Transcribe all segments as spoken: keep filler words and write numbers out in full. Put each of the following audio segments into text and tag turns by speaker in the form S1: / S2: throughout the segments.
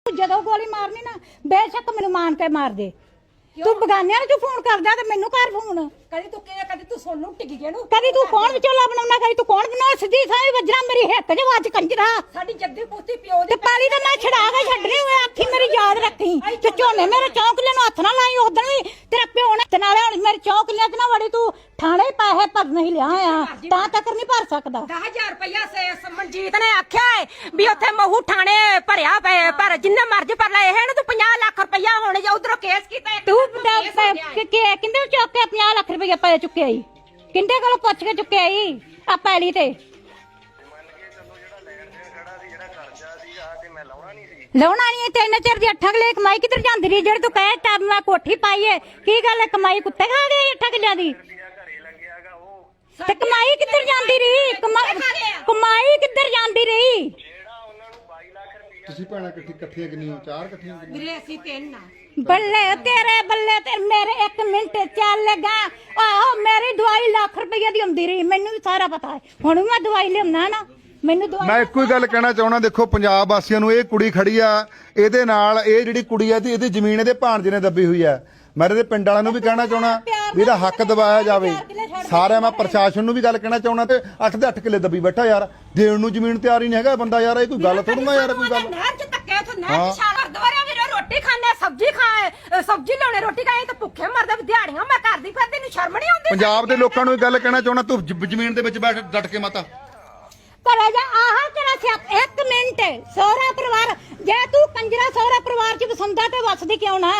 S1: ਜਦੋਂ ਗੋਲੀ ਮਾਰਨੀ ਨਾ ਬੇਸ਼ੱਕ ਮੈਨੂੰ ਮਾਰ ਕੇ ਮਾਰ ਦੇ। ਤੂੰ ਬਗਾਨਿਆਂ ਨੂੰ ਫੋਨ ਕਰਦਾ ਤੇ ਮੈਨੂੰ ਕਰ ਫੋਨ।
S2: ਕਦੀ ਤੂੰ ਕਿਹਾ ਕਦੀ ਤੂੰ ਸੁਣ ਨੂੰ ਟਿਕ ਗਿਆ ਨੂੰ
S1: ਕਦੀ ਤੂੰ ਕੌਣ ਵਿਚੋਲਾ ਬਣਾਉਣਾ ਕਦੀ ਤੂੰ ਕੌਣ ਬਣਾ ਸਿੱਧੀ ਸਾਈ ਵੱਜਣਾ ਮੇਰੀ ਹਿੱਕ ਚ ਵੱਜ ਕੰਜਰਾ।
S2: ਸਾਡੀ ਜੱਦੀ ਪੁੱਤੀ ਪਿਓ
S1: ਤੇ
S2: ਦੀ
S1: ਪਾਲੀ ਤਾਂ ਮੈਂ ਛੜਾ ਕੇ ਛੱਡਣੀ ਹੋਏ ਅੱਖੀ ਮੇਰੀ ਯਾਦ ਰੱਖੀ ਤੇ ਝੋਨੇ ਮੇਰੇ ਚੌਂਕਲੇ ਨੂੰ ਹੱਥ ਨਾ ਲਾਈ ਉਦੋਂ ਵੀ ਤੇਰਾ ਪਿਓ ਨੇ ਤੇ ਨਾਲੇ ਹੁਣ ਮੇਰੇ ਚੌਂਕਲੇ ਚ ਨਾ ਵੜੀ ਤੂੰ ਥਾਣੇ ਪੈਸੇ ਭਰ ਨਹੀਂ ਲਿਆ ਆ ਤਾਂ ਤੱਕ ਨਹੀਂ ਭਰ ਸਕਦਾ।
S2: ਦਸ ਹਜ਼ਾਰ ਰੁਪਇਆ ਸੇ ਮਨਜੀਤ ਨੇ ਆਖਿਆ ਹੈ ਵੀ ਉੱਥੇ ਮਹੂ ਥਾਣੇ ਭਰਿਆ ਪਏ ਪਰ ਜਿੰਨਾ ਮਰਜ਼ੀ ਭਰ ਲੈ ਇਹ ਤੂੰ ਪੰਜਾਹ ਲੱਖ ਰੁਪਇਆ ਹੋਣੇ ਜਾਂ ਉਧਰੋਂ ਕੇਸ ਕੀਤਾ
S1: ਤੂੰ ਕਿੰਦੇ ਚੁੱਕ ਕੇ ਪੰਜਾਹ ਲੱਖ ਰੁਪਇਆ ਪੈ ਚੁੱਕਿਆ ਈ ਕਿੰਦੇ ਕੋਲੋਂ ਪੁੱਛ ਕੇ ਚੁੱਕਿਆ ਈ ਆ ਪੈਲੀ ਤੇ ਲਾਉਣਾ ਨਹੀਂ ਤਿੰਨ ਚਿਰ ਦੀ ਅੱਠਾਂ ਕਿੱਲੇ ਕਮਾਈ ਕਿੱਧਰ ਜਾਂਦੀ ਰਹੀ ਜਿਹੜੀ ਤੂੰ ਕਹੇ ਟਾਈਮ ਮੈਂ ਕੋਠੀ ਪਾਈ ਏ ਕੀ ਗੱਲ ਕਮਾਈ ਕੁੱਤੇ ਖਾ ਗਏ ਅੱਠਾਂ ਕਿੱਲਿਆਂ ਦੀ ਤੇ ਕਮਾਈ ਕਿੱਧਰ ਜਾਂਦੀ ਰਹੀ ਕਮਾਈ ਕਿੱਧਰ ਜਾਂਦੀ ਰਹੀ।
S3: ਤੁਸੀਂ ਭੈਣਾਂ ਇਕੱਠੀ ਇਕੱਠੀਆਂ ਕਿੰਨੀਆਂ ਚਾਰ ਇਕੱਠੀਆਂ
S2: ਵੀਰੇ ਅਸੀਂ ਤਿੰਨ ਆ
S1: ਬੱਲੇ ਤੇਰੇ ਬੱਲੇ ਤੇ ਮੇਰੇ ਇੱਕ ਮਿੰਟ ਚੱਲ ਲਗਾ ਆਹੋ ਮੇਰੀ ਦਵਾਈ ਲੱਖ ਰੁਪਏ ਦੀ ਹੁੰਦੀ ਰਹੀ ਮੈਨੂੰ ਵੀ ਸਾਰਾ ਪਤਾ ਹੈ ਹੁਣ ਮੈਂ ਦਵਾਈ ਲਿਆਉਣਾ ਨਾ ਮੈਨੂੰ ਦਵਾਈ
S3: ਮੈਂ ਇੱਕੋ ਹੀ ਗੱਲ ਕਹਿਣਾ ਚਾਹੁੰਦਾ ਦੇਖੋ ਪੰਜਾਬ ਵਾਸੀਆਂ ਨੂੰ ਇਹ ਕੁੜੀ ਖੜੀ ਆ ਇਹਦੇ ਨਾਲ ਇਹ ਜਿਹੜੀ ਕੁੜੀ ਆ ਤੇ ਇਹਦੀ ਜ਼ਮੀਨ ਇਹਦੇ ਭਾਣਜੇ ਨੇ ਦੱਬੀ ਹੋਈ ਆ ਮੈਂ ਇਹਦੇ ਪਿੰਡ ਵਾਲਿਆਂ ਨੂੰ ਵੀ ਕਹਿਣਾ ਚਾਹੁੰਦਾ ਵੀ ਇਹਦਾ ਹੱਕ ਦਵਾਇਆ ਜਾਵੇ ਸਾਰਿਆਂ ਮੈਂ ਪ੍ਰਸ਼ਾਸਨ ਨੂੰ ਵੀ ਗੱਲ ਕਹਿਣਾ ਚਾਹੁੰਦਾ ਤੇ ਅੱਠ ਦੇ ਅੱਠ ਕਿੱਲੇ ਦੱਬੀ ਬੈਠਾ ਯਾਰ ਦੇਣ ਨੂੰ ਜ਼ਮੀਨ ਤਿਆਰ ਹੀ ਨਹੀਂ ਹੈਗਾ ਬੰਦਾ ਯਾਰ ਇਹ ਕੋਈ ਗੱਲ ਥੋੜੂਗਾ ਯਾਰ ਕੋਈ ਗੱਲ
S2: ਨਹਿਰ ਚ ਧੱਕੇ ਉੱਥੇ ਨਹਿਰ ਚ ਛਾਲ ਦੁਆਰਿਆਂ ਵੀਰੇ ਰੋਟੀ ਖਾਣੇ ਸਬਜ਼ੀ ਖਾਏ ਸਬਜ਼ੀ ਲਾਉਣੇ ਰੋਟੀ ਖਾਏ ਤਾਂ ਭੁੱਖੇ ਮਰਦੇ ਵੀ ਦਿਹਾੜੀਆਂ ਮੈਂ ਕਰਦੀ ਫਿਰਦੀ ਨੂੰ ਸ਼ਰਮ ਨਹੀਂ ਆਉਂਦੀ
S3: ਪੰਜਾਬ ਦੇ ਲੋਕਾਂ ਨੂੰ ਇਹ ਗੱਲ ਕਹਿਣਾ ਚਾਹੁੰਦਾ ਤੂੰ ਜ- ਜ਼ਮੀਨ ਦੇ ਵਿੱਚ ਬੈਠ ਡਟ ਕੇ ਮਾਤਾ
S1: ਕਰੇ ਜਾ ਆਹ ਤੇਰਾ ਸਿਆਪ ਇੱਕ ਮਿੰਟ ਸਹੁਰਾ ਪਰਿਵਾਰ ਜੇ ਤੂੰ ਕੰਜਰਾ ਸਹੁਰਾ ਪਰਿਵਾਰ ਚ ਵਸੰਦਾ ਤੇ ਵਸਦੀ ਕਿਉਂ ਨਾ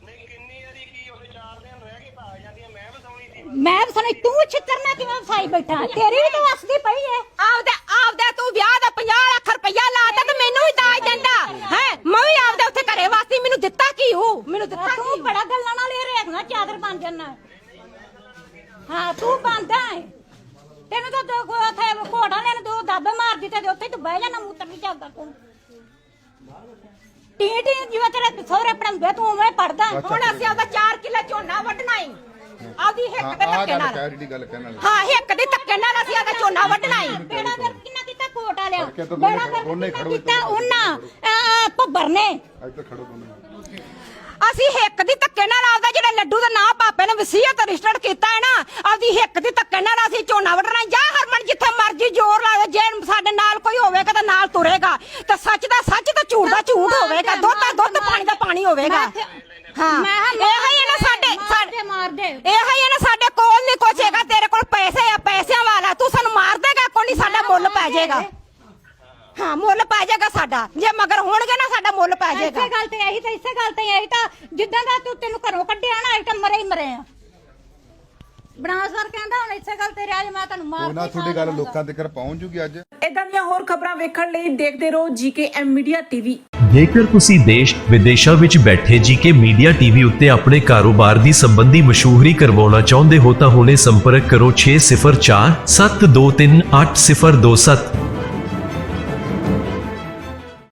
S1: ਮੈਂ ਵਸਾਉਣੀ ਤੂੰ ਛਿੱਤਰਨਾ ਕਿਵੇਂ ਵਸਾਈ ਬੈਠਾ ਤੇਰੀ ਵੀ ਤਾਂ ਵਸਦੀ ਪਈ ਏ
S2: ਆਪਦੇ ਆਪਦੇ ਤੂੰ ਵਿਆਹ ਦਾ ਪੰਜਾਹ ਲੱਖ ਰੁਪਇਆ ਲਾਤਾ ਤੇ ਮੈਨੂੰ ਵੀ ਦਾਜ ਦਿੰਦਾ ਹੈ ਮੈਂ ਵੀ ਆਪਦੇ ਉੱਥੇ ਘਰੇ ਵਾਸਤੇ ਮੈਨੂੰ ਦਿੱਤਾ ਕੀ ਹੋ ਮੈਨੂੰ ਦਿੱਤਾ
S1: ਤੂੰ ਬੜਾ ਗੱਲਾਂ ਨਾਲ ਇਹ ਰੇਖਣਾ ਚਾਦਰ ਬਣ ਜਾਣਾ ਹਾਂ ਤੂੰ ਬੰਦਾ ਹੈ ਤੈਨੂੰ ਤਾਂ ਦੋ ਉੱਥੇ ਘੋੜਾ ਲੈਣ ਦੋ ਦੱਬ ਮਾਰ ਦਿੱਤੇ ਤੇ ਉੱਥੇ ਤੂੰ ਬਹਿ ਜਾਣਾ ਮੂਤਰ ਨਹੀਂ ਚੱਲਦਾ ਤੂੰ ਟੀ ਟੀ ਜਿਵੇਂ ਤੇਰੇ ਸਹੁਰੇ ਪੜਾਉਂਦੇ ਤੂੰ ਉਵੇਂ ਪੜਦਾ
S2: ਹੁਣ ਅਸੀਂ ਆਪਦਾ ਚਾਰ ਕਿੱਲੇ ਝੋਨਾ ਵੱਢਣਾ ਈ ਆਪਦੀ ਹਿੱਕ ਦੇ
S3: ਆਹ
S2: ਧੱਕੇ
S3: ਗੱਲ
S2: ਨਾਲ
S3: ਕਹਿ ਜਿਹੜੀ ਗੱਲ ਕਹਿਣ ਵਾਲੀ
S2: ਹਾਂ ਹਿੱਕ ਦੇ ਧੱਕੇ ਨਾਲ ਅਸੀਂ ਆਪਦਾ ਝੋਨਾ ਵੱਢਣਾ ਈ
S1: ਬੇੜਾ ਕਰ ਕਿੰਨਾ ਕੀਤਾ ਕੋਟ ਵਾਲਿਆ
S3: ਕਰਕੇ ਤਾਂ
S1: ਬੇੜਾ ਕਰ
S3: ਦੋਨੇ
S1: ਕਿੰਨਾ
S3: ਖੜੋ
S1: ਕੀਤਾ ਉਹਨਾਂ ਭੱਬਰ ਨੇ
S3: ਇੱਥੇ ਖੜੋ ਦੋਨੇ
S2: ਅਸੀਂ ਹਿੱਕ ਦੀ ਧੱਕੇ ਨਾਲ ਆਪਦਾ ਜਿਹੜਾ ਲੱਡੂ ਦਾ ਨਾਂ ਪਾਪੇ ਨੇ ਵਸੀਅਤ ਰਜਿਸਟਰਡ ਕੀਤਾ ਹੈ ਨਾ ਆਪਦੀ ਹਿੱਕ ਦੀ ਧੱਕੇ ਨਾਲ ਅਸੀਂ ਝੋਨਾ ਵੱਢਣਾ ਜਾਂ ਹਰਮਨ ਜਿੱਥੇ ਮਰਜ਼ੀ ਜ਼ੋਰ ਲਾ ਦੇ ਜੇ ਸਾਡੇ ਨਾਲ ਕੋਈ ਹੋਵੇਗਾ ਤਾਂ ਨਾਲ ਤੁਰੇਗਾ ਤੇ ਸੱਚ ਦਾ ਸੱਚ ਤੇ ਝੂਠ ਦਾ ਝੂਠ ਹੋਵੇਗਾ ਦੁੱਧ ਦਾ ਦੁੱਧ ਪਾਣੀ ਦਾ ਪਾਣੀ ਹੋਵੇਗਾ ਹਾਂ ਇਹ ਹੀ ਨਾ ਸਾਡੇ ਸਾਡੇ
S1: ਮਾਰਦੇ
S2: ਇਹ ਹੀ ਨਾ ਸਾਡੇ ਕੋਲ ਨਹੀਂ ਕੁਛ ਹੈਗਾ ਤੇਰੇ ਕੋਲ ਪੈਸੇ ਆ ਪੈਸਿਆਂ ਵਾਲਾ ਤੂੰ ਸਾਨੂੰ ਮਾਰ ਦੇਗਾ ਕੋਈ ਨਹੀਂ ਸਾਡਾ ਮੁੱਲ ਪੈ ਜਾਏਗਾ ਹਾਂ ਮੁੱਲ ਪੈ ਜਾਏਗਾ ਸਾਡਾ ਜੇ ਮਗਰ ਹੋਣਗੇ ਨਾ ਸਾਡਾ ਮੁੱਲ ਪੈ ਜਾਏਗਾ
S1: ਇਸੇ ਗੱਲ ਤੇ ਇਹੀ ਤਾਂ ਇਸੇ ਗੱਲ ਤੇ ਇਹੀ ਤਾਂ ਜਿੱਦਾਂ ਦਾ ਤੂੰ ਤੈਨੂੰ ਘਰੋਂ ਕੱਢਿਆ ਨਾ ਇਹ ਤਾਂ ਮਰੇ ਹੀ ਮਰੇ ਆ ਬਨਾਸਰ ਕਹਿੰਦਾ ਹੁਣ ਇਸੇ ਗੱਲ ਤੇ ਰਿਆ ਮੈਂ ਤੁਹਾਨੂੰ ਮਾਰ
S3: ਉਹਨਾਂ ਤੁਹਾਡੀ ਗੱਲ ਲੋਕਾਂ ਤੱਕ ਪਹੁੰਚ ਜੂਗੀ ਅੱਜ
S4: ਇਦਾਂ ਦੀਆਂ ਹੋਰ ਖਬਰਾਂ ਵੇਖਣ ਲਈ ਦੇਖਦੇ ਰਹੋ ਜੀਕੇ ਐਮ ਮੀਡੀਆ ਟੀਵੀ।
S5: ਜੇਕਰ ਤੁਸੀਂ ਦੇਸ਼ ਵਿਦੇਸ਼ਾਂ ਵਿੱਚ ਬੈਠੇ ਜੀਕੇ ਮੀਡੀਆ ਟੀਵੀ ਉੱਤੇ ਆਪਣੇ ਕਾਰੋਬਾਰ ਦੀ ਸੰਬੰਧੀ ਮਸ਼ਹੂਰੀ ਕਰਵਾਉਣਾ ਚਾਹੁੰਦੇ ਹੋ ਤਾਂ ਹੁਣੇ ਸੰਪਰਕ ਕਰੋ ਛੇ ਸਿਫਰ ਚਾਰ ਸੱਤ ਦੋ ਤਿੰਨ ਅੱਠ ਸਿਫਰ ਦੋ ਸੱਤ।